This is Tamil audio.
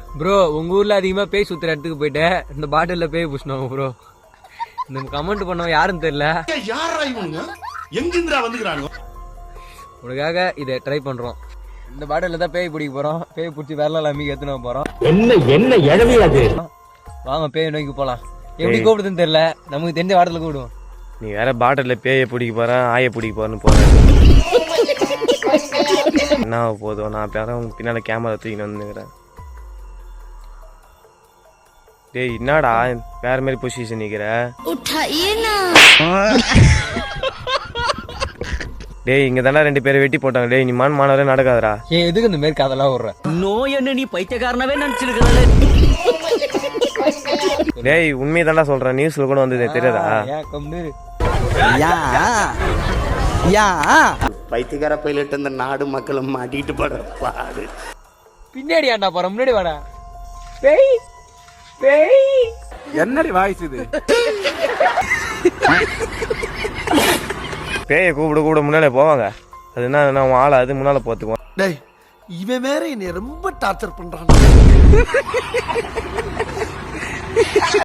ப்ரோ உங்க ஊர்ல அதிகமா பேய் சுத்துற இடத்துக்கு போயிட்டேன் இந்த பாட்டில்ல பேய் புஷ்ணோம் ப்ரோ. இந்த கமெண்ட் பண்ணவன் யாருன்னு தெரியல. யாரா இவனுங்க எங்கிருந்துடா வந்துக்கிறானுங்க? உனக்காக இதை ட்ரை பண்றோம். இந்த பாட்டில்ல தான் பேய் பிடிக்க போறோம். பேய் பிடிச்சி வரலாம் அம்மிக்கு எத்தனை போறோம். என்ன இழவி அது? வாங்க பேய் நோக்கி போலாம். எப்படி கூப்பிடுதுன்னு தெரியல, நமக்கு தெரிஞ்ச வாட்டர்ல கூப்பிடுவோம். நீ வேற பாட்டில்ல பேயை பிடிக்க போறேன் ஆய பிடிக்க போறேன்னு போற. என்ன போதும், நான் பேரும் பின்னால கேமரா தூக்கின்னு வந்துக்கிறேன். டேய் என்னடா வேற மாதிரி பொசிஷன் நிக்கிற? டேய் இங்க தானே 2 பேரை வெட்டி போட்டாங்க. டேய் நீ மானவரே நடக்காதடா. ஏன் எதுக்கு இந்த மாதிரி கதெல்லாம் விடுற? நோய் என்ன நீ பைத்தியக்காரனவே நினைச்சிருக்கல. டேய் உண்மையை தான்டா சொல்றேன், நியூஸ்ல கூட வந்தது தெரியாதா? பைத்தியக்கார பைலட் அந்த நாடு மக்களும் மாட்டிட்டு படுற பாடு. பின்னாடி ஆண்டா போற, முன்னாடி வாடா. பேய் பேய் என்னடி வாய்ஸ் இது? பேயை கூப்பிட முன்னாலே போவாங்க. அது என்ன உன் ஆளை அது முன்னால போத்துக்குவான். டேய் இவன் வேற என்னை ரொம்ப டார்ச்சர் பண்றான்.